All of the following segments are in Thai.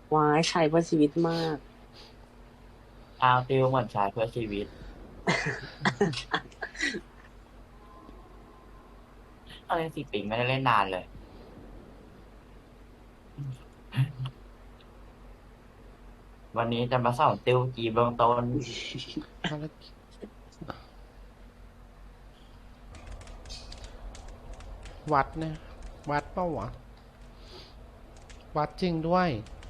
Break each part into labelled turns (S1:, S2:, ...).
S1: วายใช้เพื่อชีวิตมาก
S2: เอาติวเหมือนใช้เพื่อชีวิตเอาเล่นสิปิงไม่ได้เล่นนานเลย วันนี้จะมาสอนติวกีเบื้องต้น
S3: วัดเนี่ยวัดเปล่าวะวัดจริงด้วย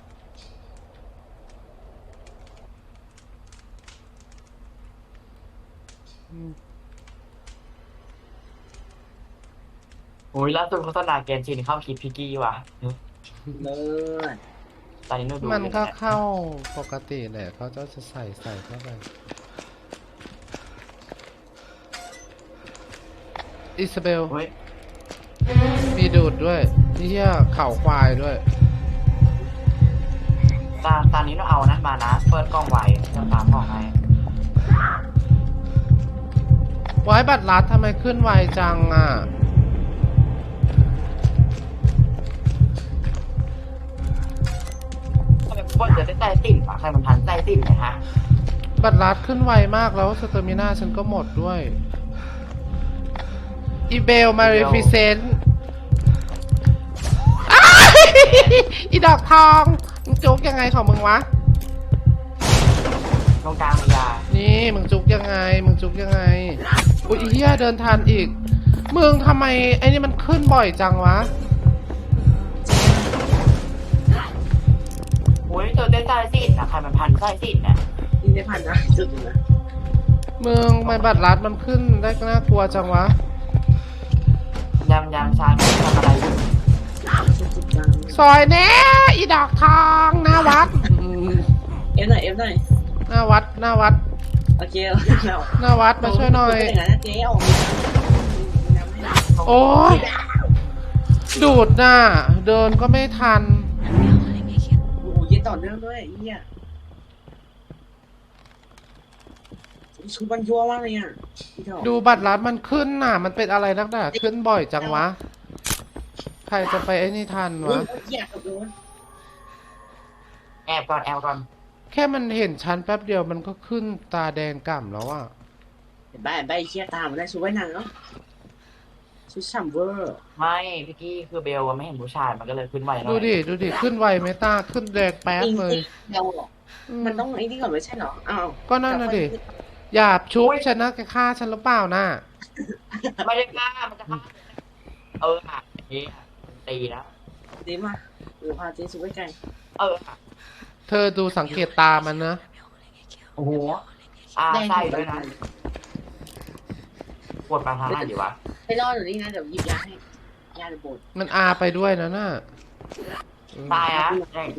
S2: โอ้ยล่าสุดโฆษณาเกมชินเข้าคิดพิกกี้ว่ะ
S1: เลิศ
S2: ตอนนี้หนูดู
S3: มันก็
S2: อยู่เย
S3: เข้าปกติแหละเขาจะใส่เข้าไปอิซาเบล
S2: เฮ้ย
S3: มีดูดด้วยนี่เหี้ยเข่าควายด้วย
S2: ตอนนี้หนูเอานั่นมานะ เปิดกล้องไว้จะตามกล้องให้
S3: ไว้บัตรลัดทำไมขึ้นไวจังอ่ะ
S2: ทำไมพวกจะได้ใจติ่นปะใครมันทันใจติ่นไหมฮะ
S3: บัตรลัดขึ้นไวมากแล้วสเตอร์มิน่าฉันก็หมดด้วยอีเบลมาเรฟิเซนต์อีดอกทองมึงจุกยังไงของมึงวะ
S2: ตรงกลางมียา
S3: นี่มึงจุกยังไงมึงจุกยังไงอุ้ยอีเหี้ยเดินทันอีกมึงทำไมไอ้นี่มันขึ้นบ่อยจังวะ
S2: โอ้ยเจอได้ใจติ่นนะใครมันพันใจติ่นเนี่ย
S1: นี่ได้ผ่านนะจุดอยู่นะ
S3: มึงทำไมบัตรลัดมันขึ้นได้น่ากลัวจังวะ
S2: ยำชาไม่ทำอะไรอยู่
S1: จุดจัง
S3: ซอยแน่อีดอกทองหน้าวัด
S1: เอฟหน่อยเอฟหน่อย
S3: หน้าวัดหน้าวัด
S1: โอเคเรา
S3: หน้าวัดมาช่วยหน่อย
S1: เป็นอย่างนั้นนะเจ๊ออกมายังไม่ได้
S3: โอ้ยดูดน่ะเดินก็ไม่ทัน
S1: โอ้โหเย็นต่อเนื่องด้วยไอ้เหี้ยชุดมันยั่วมากเลยอ่ะพี่ถอ
S3: ดูบัตรลัดมันขึ้นน่ะ มันเป็นอะไรนักหนาขึ้นบ่อยจังวะ ใครจะไปไอ้นี่ทัน
S1: เฮ้
S3: วะ
S1: ยเหี้ยกับโดน
S2: แอบก่อน
S3: แค่มันเห็นชั้นแป๊บเดียวมันก็ขึ้นตาแดงก่ำแล้วอ่ะ
S1: เห็นใบใบเชี่ยตามมาได้ชุดว่ายน้ำเนาะชุดฉ่ำเวอร์
S2: ไม่พี่กี้คือเบลไม่เห็นผู้ชายมันก็เลยขึ้นไวหน่อย
S3: ดูดิขึ้นไวไหมตาขึ้นแดงแป๊บเลย
S1: เดาหรอมันต้องไอ้นี่ก่อนไม่ใช่เหรออ้าว
S3: ก็นั่นน่ะดิอย่าชุบฉันนะแกฆ่าฉันหรือเปล่าน่ะ
S2: ไม่ได้ฆ่ามันจะฆ่าอ่ะนี่ตีแล้ว
S1: ดีมาหรือพาเจ๊ชุดไว้ไกล
S2: อ่ะ
S3: เธอดูสังเกตตามันนะ
S2: โอ้โหใส่ด้วยนะปวดปลาทางไหนดีวะ
S1: ไปรอหนูนี่นะเดี๋ยวหยิบยาให้ยาเดี๋ยวบด
S3: มันอาไปด้วยนะน่ะ
S2: ตายอ่ะ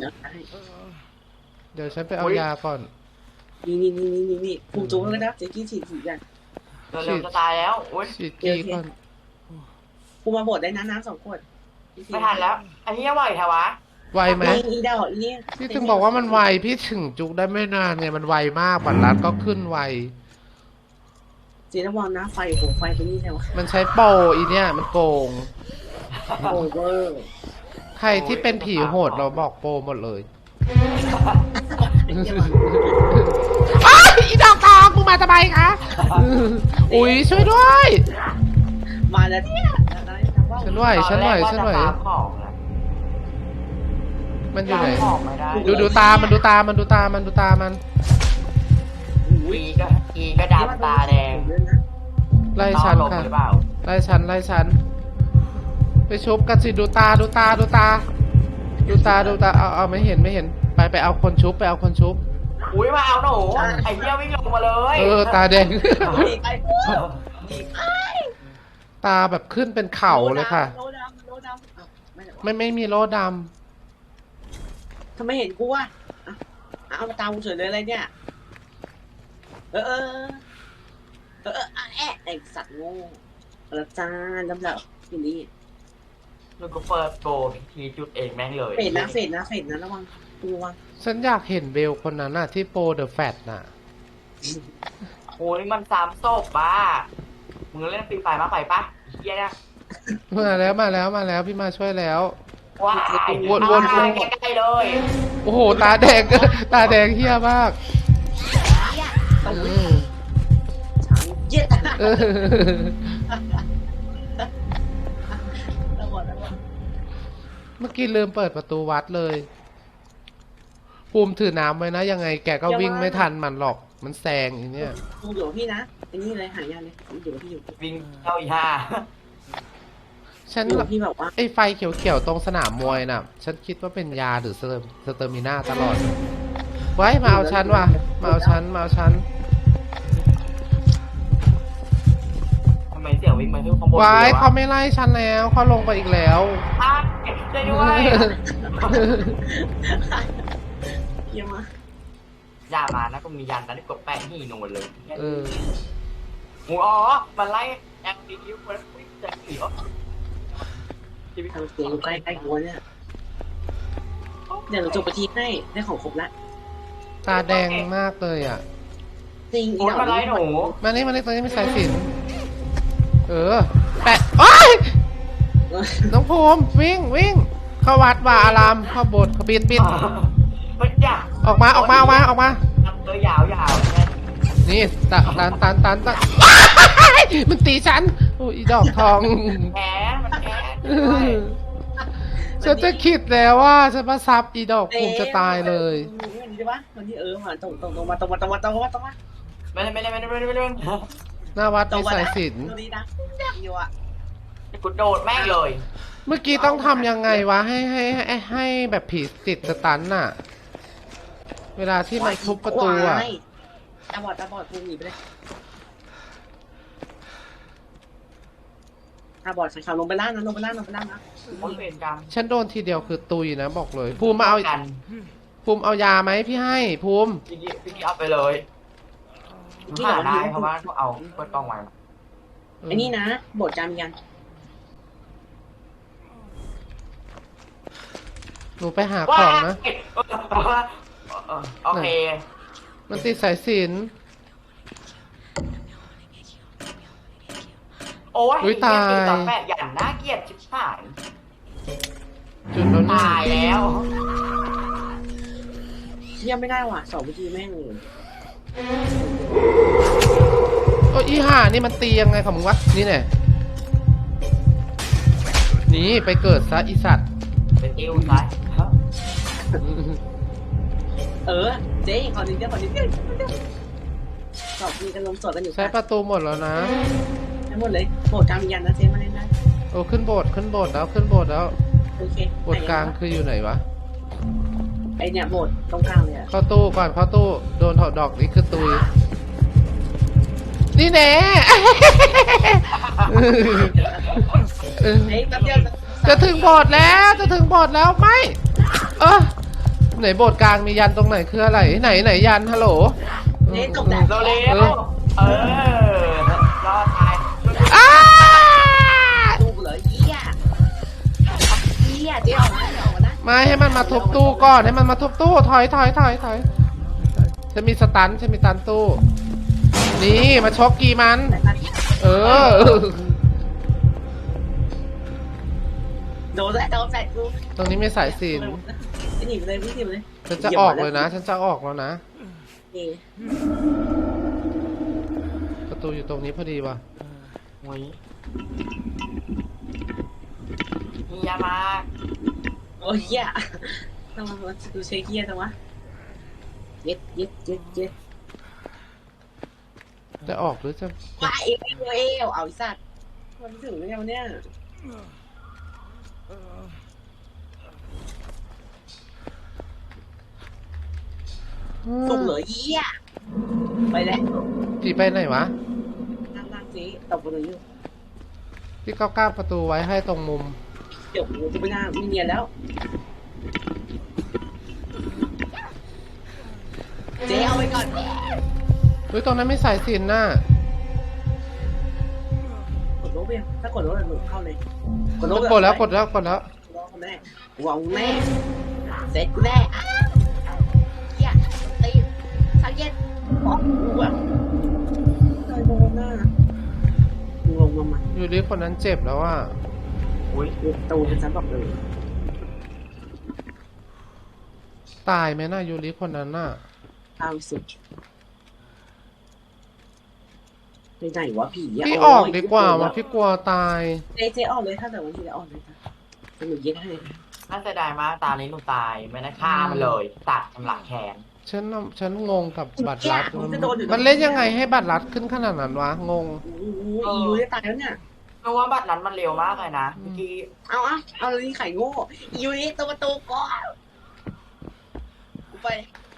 S3: เดี๋ยวฉันไปเอายาก่อน
S1: นี่ผูกจุกเลยนะเจ๊กี้ฉีดอย่าง
S2: เร็วจะตายแล้วอุ้ย
S3: ฉีดกีก่อน
S1: ผูมาบดได้นะน้ำ2 ขวด
S2: ไม่ทันแล้วไอ้เหี้ยไหวแถวะ
S3: ไวไหม
S1: อีดอกอีเนี่ย
S3: พี่ถึงบอกว่ามันไวพี่ถึงจุกได้ไม่นานไงมันไวมากบัตรลัดก็ขึ้นไว
S1: เจ๊ระวังนะไฟโหไฟตัวนี้ใช่ไหม
S3: มันใช้โปรอีเนี่ยมันโกง
S1: โอเวอร์
S3: ใครที่เป็นผีโหดเราบอกโปรหมดเลยอ้าวอีดอกทองมึงมาทำไมคะอุ้ยช่วยด้วย
S1: มาแล้วเนี่ย
S3: ฉันไหวฉันไหว
S2: ตอนแรกว่าจะฟาร์มของนะ
S3: มันอยู่ไหน
S2: ฟาร์มของไม่ได้
S3: ดูตามันดูตามันดูตามันดูตามัน
S2: อีก็ดำตาแดง
S3: ไล่ฉัน
S2: ลง
S3: ค่ะ
S2: หรือเปล่า
S3: ไล่ฉันไปชุบกันสิดูตาเอาไม่เห็นไปเอาคนชุบไปเอาคนชุบ
S2: อุ้ยมาเอาหนูไอ้เหี้ยวิ่งลงมาเลย
S3: ตาแดง
S1: ไป
S3: ตาแบบขึ้นเป็นเข่าเลยค่ะ
S1: โลดำ
S3: ไม่มีโลด
S1: ทำไมเห็นกูอ่ะเอามาตามกูเฉยเลยอะไรเนี่ยไอสัตว์โง่แล้วจ้าลำดับอย่างนี้
S2: แล้วก็เปิดโกพิธีจุดเองแม่งเลย
S1: เฟดนะระวังระวัง
S3: ำฉันอยากเห็นเบลคนนั้นน่ะที่โปรเดอะแฟตน่ะ
S2: โอ้ยมันซ้ำศพบ้ามึงเล่นฟรีไฟมากไปปะเหี้ยเนี่ย
S3: มาแล้วพี่มาช่วยแล้ว
S1: ไป
S2: ว้าย
S3: วน
S2: ใกล้ๆเลย
S3: โอ้โห ตาแดง ตาแดงเฮี้ยมาก
S1: ต้อง
S3: อืม
S1: ช้างเย็ด
S3: เออ
S1: ระเบิด
S3: เมื่อกี้ลืมเปิดประตูวัดเลยภูมิถือน้ำไว้นะ ยังไงแกก็วิ่งไม่ทันมันหรอก มันแซงอีเนี่ย
S1: มึงอยู่กับพี่นะไอ้นี่เลยหายาเลยมึงอยู่กับพี่อยู่
S2: วิ่งเข้าอีห่า
S3: ฉัน
S1: อยู่กับพี่แบบว่า
S3: ไอ้ไฟเขียวๆตรงสนามมวยน่ะ ฉันคิดว่าเป็นยาหรือสเตอร์มิน่าตลอด ไว้มาเอาฉันว่ะ มาเอาฉัน มาเอาฉัน
S2: ทำไมเสียงวิ่งมาที่ข้างบน
S3: ไว้
S2: เลยวะ
S3: เขาไม่ไล่ฉันแล้วเขาลงไปอีกแล้ว
S2: อ้าวช่วยด้วย
S1: เยี่ยมมาก
S2: อย่ามานะก็มียันนะที่กดแปะนี่โนนเลย
S3: เออ
S2: หมูอ๋อมันไล่แอคทีฟมันวิ่งจะหนีวะชีวิต
S1: ทำเสียงอยู่ใกล้ๆหัวเนี่ยเดี๋ยวเราจบไปทีให้ได้ของครบละ
S3: ตาแดงมากเลยอ่ะ
S1: จริง
S2: โอ้ยมันไล่หนู
S3: มานี่ตรงนี้มีสายสิญจนเออ แปะโอ้ยน้องภูมิวิ่ง เข้าวัดว่าอารามเข้าโบสถ์เขาปิด
S2: มันอยาก
S3: ออกมา
S2: เออยาวเนี่ย
S3: นี่ตันว้ายมันตีฉัน โอ้ยอีดอกทอง
S2: แพ้มันแพ้
S3: ฉันจะคิดแล้วว่าฉันมาซับอีดอกภูมิจะตายเลย
S1: วันนี้ใช่ปะวันนี้มาตรงมา
S2: ไม่ได้
S3: หน้าวัดมีสายสิญจน
S1: ตรงนี้นะแซ่บอยู่อ่ะ
S2: กูโดดแม่งเลย
S3: เมื่อกี้ต้องทำยังไงวะให้แบบผีติดสตันน่ะ เวลาที่มันทุบประตูอ่ะ
S1: ตาบอดกูหนีไปเลยตาบอดใส่ขาลงไปล่างนะ
S2: โอ้ยเป็นกรรม
S3: ฉันโดนทีเดียวคือตุยนะบอกเลย ภูมิมาเอา
S2: กัน
S3: ภูมิเอายาไหมพี่ให้ภูมิ
S2: พี่กี้เอาไปเลยหาได้เพราะว่าเขาเอาเปิดกล้องไว้
S1: ไอ้นี่นะบทจำยัน
S3: หนูไปหาของนะ
S2: โอเค
S3: มันติดสายสิญจน
S2: โอ้ย
S3: อุ๊ยตาย
S2: ต่อแปะอย่างน่าเกลียดชิบหาย
S3: จุดแล้วนี่
S2: ตายแล้ว
S1: เยี่ยมไม่ได้ว่ะสองวิธีแม่งเลย
S3: โอ้ยอีห่านี่มันตียังไงของมึงวะ นี่แน่นี่ไปเกิดซะอีสัตว์
S2: เป็นติ้วซ้าย
S1: เจ๊ขอนิดเดียวสอบมีกันลมสดกันอยู่
S3: ใช้ประตูหมดแล้วนะ
S1: ทั้งหมดเลยบทจำยันนะเจ๊มาเล่นได้
S3: โอ้ขึ้นโบสถ์แล้ว
S1: โอเค
S3: โบสถ์กลางคืออยู่ไหนวะ
S1: ไอเนี่ยบทตรงกลางเลยอ่ะ
S3: เข้าตู้ก่อนเข้าตู้โดนถอดดอกนี่คือตุย นี่แน่ เออ
S1: เฮ้ยแป๊บเดียว
S3: จะถึงโบสถ์แล้วไม่ ไหนโบสถ์กลางมียันตรงไหนคืออะไรไหนยันฮัลโหล
S1: เจ๊ตกแดด
S2: เราเร็วรอดตาย
S3: อ้า
S1: ดูเหรอเยี่ยเจ๊ออกมานะ
S3: ไม่ให้มันมาทุบตู้ก่อนให้มันมาทุบตู้ถอยจะมีสตันตู้ นี่มาชกกีมัน เออ
S1: โดนแฟดกู
S3: ตรงนี้มีสายสิญจน
S1: หนีไปเลยวิ่งหนีไปเลย
S3: ฉันจะออกเลยนะ ฉันจะออกแล้วนะ ประตูอยู่ตรงนี้พอดีว่ะ
S2: โอ้ยมียามา
S1: โอ้ยเยี่ยทำไมดูเชคเยี่ยจังวะเย็ด
S3: จะออกหรือจะ
S1: ว้าเอวเอาอีสัตว์มันถึงแล้วเนี่ยสุกเหลือเยี่ยไปแล้ว
S3: ผีไปไหนวะ
S1: ล่างจีตบไปเลยอยู่
S3: พี่ก็ก้าวประตูไว้ให้ตรงมุม
S1: เดี๋ยวกูไม่น่าไม่เนียนแล้วเจ๊เอาไปก่อน
S3: เฮ้ยตรงนั้นไม่สายสิญจนน่ะ
S1: กดโน้ตไปถ้ากดโน้ตหนูเข้าเลย
S3: กดแล้ว
S1: รอแน่หวังแน่เสร็จกูแน่เฮียตีสังเกตบอกกูว่าใครโดนหน้างงมา
S3: อยู่ดีคนนั้นเจ็บแล้วอ่ะ
S2: อุ้ย
S1: ตูเป็นฉันบอกเลย
S3: ตายไหมน่ะยูริคนนั้นน่ะ
S1: ตามสุดไปไหนวะผีะ
S3: พี่ออกดีกว่าว่ะพี่กลัวตาย
S1: เจ๊ออกเลยถ้าแต่วันที่แล้วออกเลยค่ะหนูยึดให้
S2: น่าเสียดายมากตานี้หนูตายไม่ได้ฆ่ามันเลยตัดชำระแขน
S3: ฉันงงกับบัตรลัด
S1: ผมจะโดนอยู่
S3: มันเล่นยังไงให้บัตรลัดขึ้นขนาดนั้นวะงง
S1: โอ้โหอียูจะตายแล้วเนี่ย
S2: เพราะว่าบัตรนั้นมันเร็วมากเลยนะเมื่อกี้
S1: เอาเลยนี่ไข่โง่อียูนี่ตัวประตูก่อนกูไป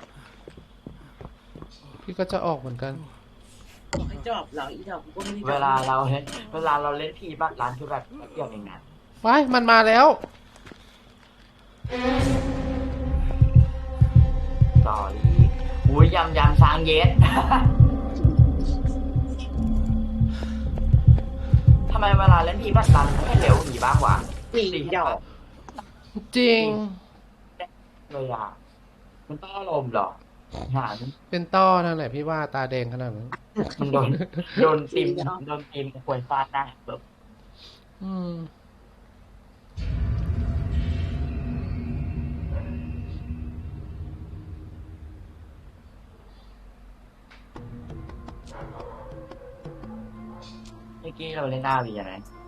S3: พี่ก็จะออกเหมือนกัน
S1: บอกให้จอบเหรออีดอกกูก็ไม่ได้จอบ
S2: เวลาเราเล่นผีบัตรร้านคือแบบเกี่ยวเองนะ
S3: ไปมันมาแล้ว
S2: สอรี่อุ้ยยำช้างเย็ด ทำไมเวลาเล่นผีบัตรร้านไม่เร็วหนีบ้างวะ
S1: อีดอก
S3: จริง
S2: เลยอ่ะมันต้องอารมณ์เหรอหา
S3: เป็นต้อนั่นแหละพี่ว่าตาแดงขนาดนั้น
S2: มันโดนตีมควยฟาดหน้าแบบ
S3: อืม
S2: เมื่อกี้เราเล่นหน้าวีอะไร